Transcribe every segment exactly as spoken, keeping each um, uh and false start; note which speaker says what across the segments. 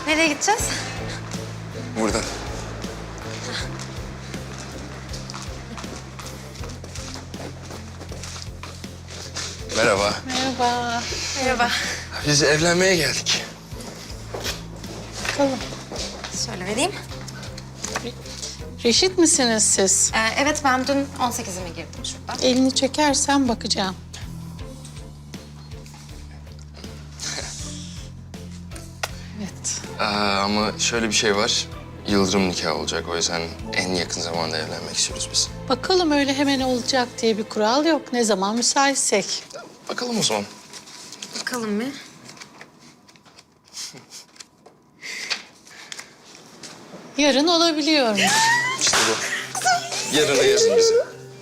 Speaker 1: Nereye gideceğiz?
Speaker 2: Buradan. Merhaba.
Speaker 3: Merhaba.
Speaker 1: Merhaba.
Speaker 2: Biz evlenmeye geldik.
Speaker 3: Bakalım.
Speaker 1: Şöyle vereyim.
Speaker 3: Reşit misiniz siz?
Speaker 1: Ee, evet, ben dün on sekizime girdim şurada.
Speaker 3: Elini çekersen bakacağım. Evet.
Speaker 2: Aa, ama şöyle bir şey var. Yıldırım nikahı olacak. O yüzden en yakın zamanda evlenmek istiyoruz biz.
Speaker 3: Bakalım öyle hemen olacak diye bir kural yok. Ne zaman müsaitsek.
Speaker 2: Bakalım o zaman.
Speaker 1: Bakalım bir.
Speaker 3: Yarın olabiliyormuş.
Speaker 2: İşte bu. Yarına yazın bizi.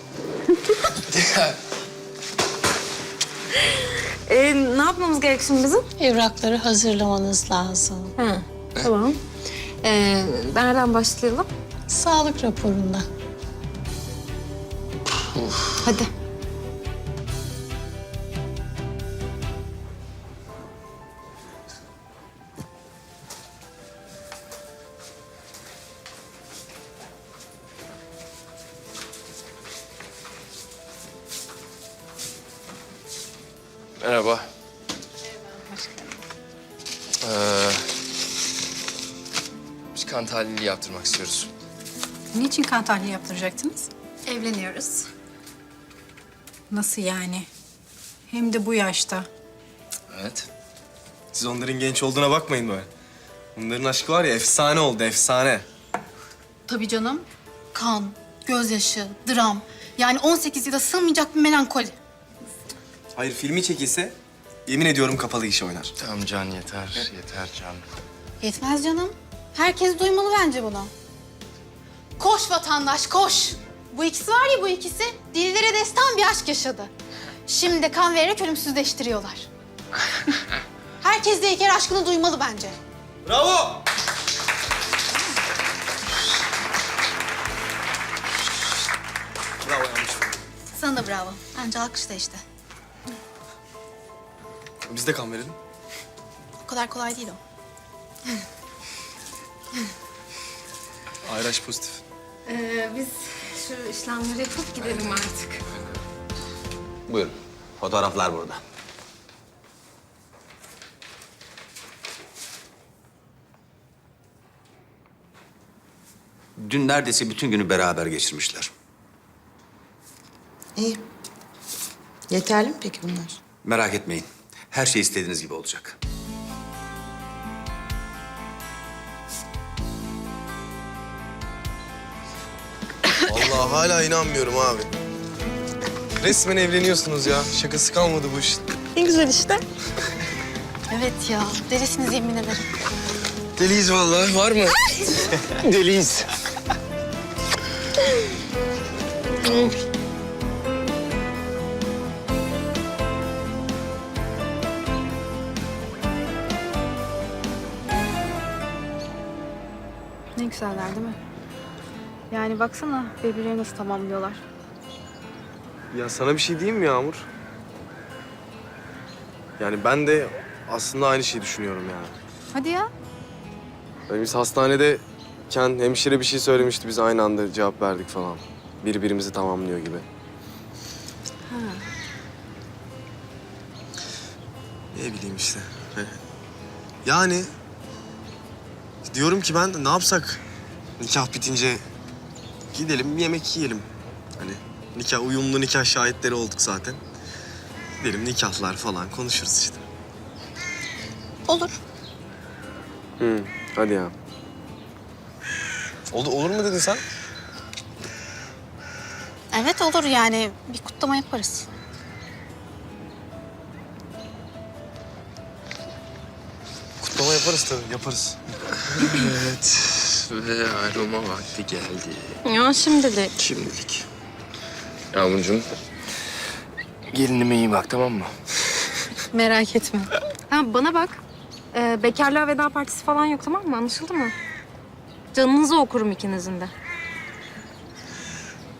Speaker 1: Ee, ne yapmamız gerek şimdi bizim?
Speaker 3: Evrakları hazırlamanız lazım.
Speaker 1: Ha, tamam. Ee, nereden başlayalım?
Speaker 3: Sağlık raporunda.
Speaker 1: Hadi.
Speaker 2: Merhaba. Ee, biz kan tahlili yaptırmak istiyoruz.
Speaker 4: Niçin kan tahlili yaptıracaktınız?
Speaker 1: Evleniyoruz.
Speaker 4: Nasıl yani? Hem de bu yaşta.
Speaker 2: Evet.
Speaker 5: Siz onların genç olduğuna bakmayın böyle. Onların aşkı var ya efsane oldu, efsane.
Speaker 6: Tabii canım. Kan, gözyaşı, dram. Yani on sekiz yıla sığmayacak bir melankoli.
Speaker 5: Hayır, filmi çekilse yemin ediyorum kapalı iş oynar.
Speaker 2: Tamam Can yeter, yeter Can.
Speaker 6: Yetmez canım. Herkes duymalı bence bunu. Koş vatandaş, koş. Bu ikisi var ya bu ikisi, dillere destan bir aşk yaşadı. Şimdi de kan vererek ölümsüzleştiriyorlar. Herkes de İlker aşkını duymalı bence.
Speaker 5: Bravo! Bravo, yanlış.
Speaker 6: Sana da bravo. Bence alkışla işte.
Speaker 5: Biz de kan verelim.
Speaker 6: O kadar kolay değil o.
Speaker 5: Ayraç pozitif.
Speaker 1: Ee, biz şu işlemleri yapıp gidelim artık.
Speaker 7: Buyurun. Fotoğraflar burada. Dün neredeyse bütün günü beraber geçirmişler.
Speaker 8: İyi. Yeterli mi peki bunlar?
Speaker 7: Merak etmeyin. Her şey istediğiniz gibi olacak.
Speaker 5: Vallahi hala inanmıyorum abi. Resmen evleniyorsunuz ya. Şakası kalmadı bu işin.
Speaker 1: Ne güzel işte.
Speaker 6: Evet ya, delisiniz yemin ederim.
Speaker 2: Deliyiz vallahi. Var mı? Deliyiz.
Speaker 1: Ne güzeller değil mi? Yani baksana birbirlerini nasıl tamamlıyorlar.
Speaker 5: Ya sana bir şey diyeyim mi Yağmur? Yani ben de aslında aynı şeyi düşünüyorum yani.
Speaker 1: Hadi ya.
Speaker 5: Yani biz hastanedeyken hemşire bir şey söylemişti. Biz aynı anda cevap verdik falan. Birbirimizi tamamlıyor gibi.
Speaker 1: Ha.
Speaker 5: Ne bileyim işte. Yani diyorum ki ben de ne yapsak? Nikah bitince gidelim bir yemek yiyelim. Hani nikah, uyumlu nikah şahitleri olduk zaten. Gidelim nikahlar falan konuşuruz işte.
Speaker 6: Olur.
Speaker 5: Hı, hadi ya. Olur, olur mu dedin sen?
Speaker 6: Evet olur yani, bir kutlama yaparız.
Speaker 5: Kutlama yaparız tabii, yaparız.
Speaker 2: Evet. Ve ayrılma vakti geldi.
Speaker 1: Ya şimdilik.
Speaker 2: Şimdilik. Yağmurcuğum, gelinime iyi bak tamam mı?
Speaker 1: Merak etme. Ha bana bak. Ee, bekarlığa veda partisi falan yok tamam mı? Anlaşıldı mı? Canınızı okurum ikinizin de.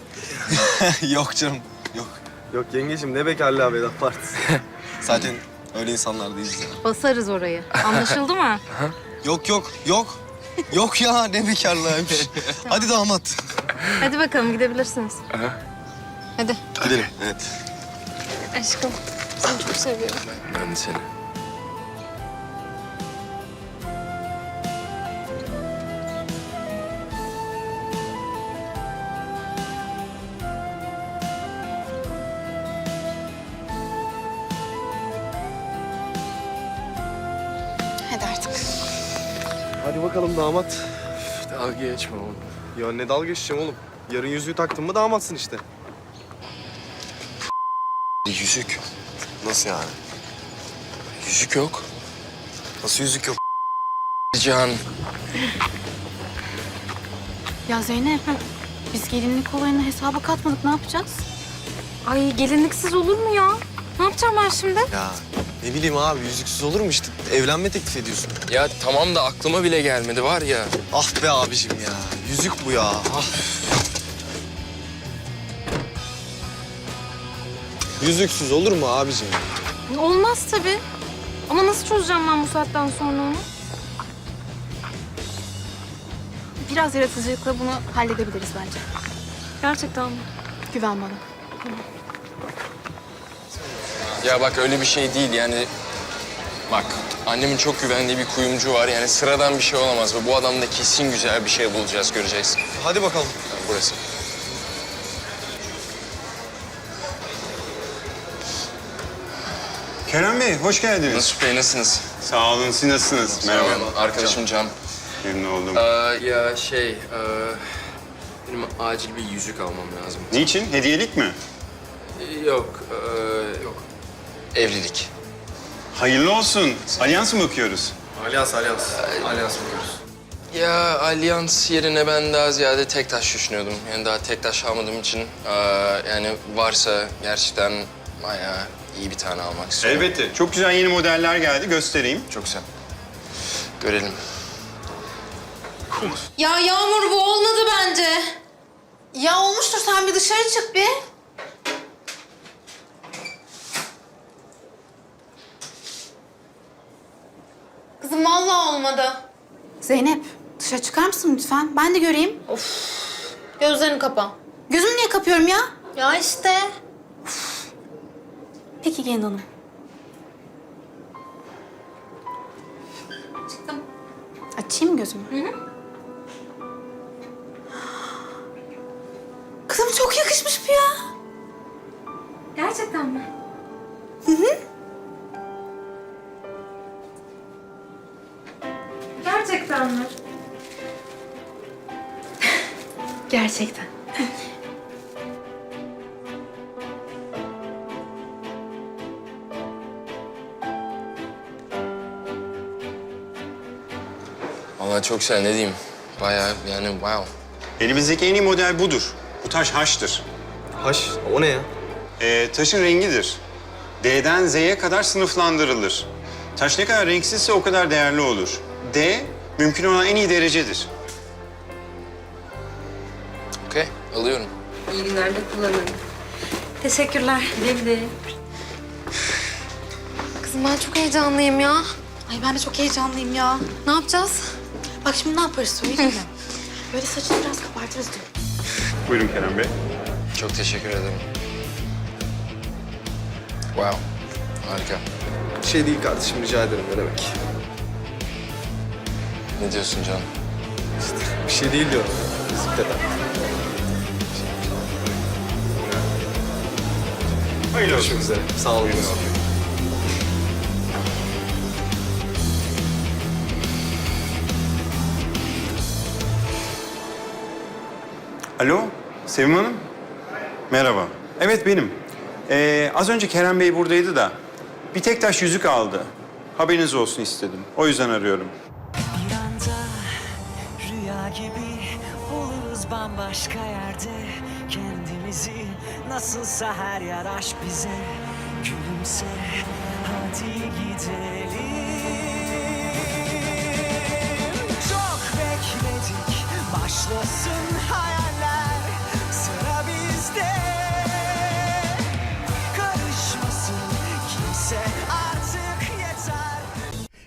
Speaker 5: Yok canım, yok. Yok yengeciğim ne bekarlığa veda partisi. Zaten Öyle insanlar değiliz ya.
Speaker 1: Basarız orayı. Anlaşıldı mı?
Speaker 5: Yok yok yok. Yok ya ne bekarlığıymış. Hadi damat.
Speaker 1: Hadi bakalım gidebilirsiniz. Hadi.
Speaker 5: Gidelim. Evet.
Speaker 1: Aşkım seni çok seviyorum.
Speaker 2: Ben de seni.
Speaker 6: Hadi artık.
Speaker 5: Hadi bakalım damat.
Speaker 2: Dalga geçme oğlum.
Speaker 5: Ya ne dalga geçeceğim oğlum. Yarın yüzüğü taktın mı damatsın işte.
Speaker 2: Yüzük.
Speaker 5: Nasıl yani?
Speaker 2: Yüzük yok.
Speaker 5: Nasıl yüzük yok?
Speaker 2: Can.
Speaker 6: Ya Zeynep, biz gelinlik olayını hesaba katmadık. Ne yapacağız?
Speaker 1: Ay gelinliksiz olur mu ya? Ne yapacağım ben şimdi?
Speaker 5: Ya ne bileyim abi yüzüksüz olur mu işte? Evlenme teklif ediyorsun.
Speaker 2: Ya tamam da aklıma bile gelmedi var ya.
Speaker 5: Ah be abicim ya. Yüzük bu ya. Ah. Yüzüksüz olur mu abicim?
Speaker 1: Olmaz tabii. Ama nasıl çözeceğim ben bu saatten sonra onu?
Speaker 6: Biraz yaratıcılıkla bunu halledebiliriz bence.
Speaker 1: Gerçekten mi?
Speaker 6: Güven bana.
Speaker 2: Ya bak öyle bir şey değil yani. Bak annemin çok güvendiği bir kuyumcu var. Yani sıradan bir şey olamaz ve bu adamda kesin güzel bir şey bulacağız, göreceksin.
Speaker 5: Hadi bakalım.
Speaker 2: Yani burası.
Speaker 9: Kerem Bey, hoş geldiniz.
Speaker 2: Nasuh Bey nasılsınız?
Speaker 9: Sağ olun, siz nasılsınız? Merhaba.
Speaker 2: Arkadaşım Can.
Speaker 9: Memnun oldum.
Speaker 2: Ee, ya şey, e, benim acil bir yüzük almam lazım.
Speaker 9: Niçin? Hediyelik mi?
Speaker 2: Yok, e, yok. Evlilik.
Speaker 9: Hayırlı olsun. Alyans mı bakıyoruz?
Speaker 5: Alyans, alyans. Alyans bakıyoruz.
Speaker 2: Ya alyans yerine ben daha ziyade tek taş düşünüyordum. Yani daha tek taş almadığım için e, yani varsa gerçekten bayağı iyi bir tane almak istiyorum.
Speaker 9: Elbette. Çok güzel yeni modeller geldi. Göstereyim.
Speaker 2: Çok güzel. Görelim.
Speaker 1: Ya Yağmur bu olmadı bence.
Speaker 6: Ya olmuştur, sen bir dışarı çık bir.
Speaker 1: Kızım vallahi olmadı.
Speaker 6: Zeynep, dışarı çıkar mısın lütfen? Ben de göreyim.
Speaker 1: Gözlerini kapa.
Speaker 6: Gözümü niye kapıyorum ya?
Speaker 1: Ya işte.
Speaker 6: Peki gelin hanım.
Speaker 1: Çıktım.
Speaker 6: Açayım mı gözümü?
Speaker 1: Hı hı.
Speaker 6: Kızım çok yakışmış bu ya.
Speaker 1: Gerçekten mi?
Speaker 6: Hı hı.
Speaker 1: Gerçekten mi?
Speaker 6: Gerçekten.
Speaker 2: Vallahi çok güzel, ne diyeyim. Bayağı yani wow.
Speaker 9: Elimizdeki en iyi model budur. Bu taş haştır.
Speaker 5: Haş, o ne ya?
Speaker 9: Ee, taşın rengidir. D'den Z'ye kadar sınıflandırılır. Taş ne kadar renksizse o kadar değerli olur. D, mümkün olan en iyi derecedir.
Speaker 2: Okey, alıyorum.
Speaker 1: İyi günlerde kullanırım. Teşekkürler. Güle güle. Kızım ben çok heyecanlıyım ya.
Speaker 6: Ay ben de çok heyecanlıyım ya.
Speaker 1: Ne yapacağız?
Speaker 6: Bak şimdi ne yaparız söyleyeyim mi? Böyle saçını biraz kabartırız diyor.
Speaker 9: Buyurun Kerem Bey.
Speaker 2: Çok teşekkür ederim. Wow, harika.
Speaker 5: Bir şey değil kardeşim rica ederim ne demek.
Speaker 2: Ne diyorsun Can?
Speaker 5: Bir şey değil diyorum. Bisiklet
Speaker 9: Hayırlı olsun.
Speaker 5: Görüşmek üzere. Sağ olun.
Speaker 9: Alo, Sevim Hanım. Merhaba. Evet benim. Ee, az önce Kerem Bey buradaydı da bir tek taş yüzük aldı. Haberiniz olsun istedim. O yüzden arıyorum.
Speaker 10: Bir anda rüya gibi oluruz bambaşka yerde. Kendimizi nasılsa her yer aşk bize. Gülümse hadi gidelim. Çok bekledik başlasın hayaller. Sıra bizde. Karışmasın kimse artık.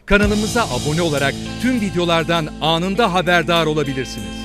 Speaker 11: Kanalımıza abone olarak tüm videolardan anında haberdar olabilirsiniz.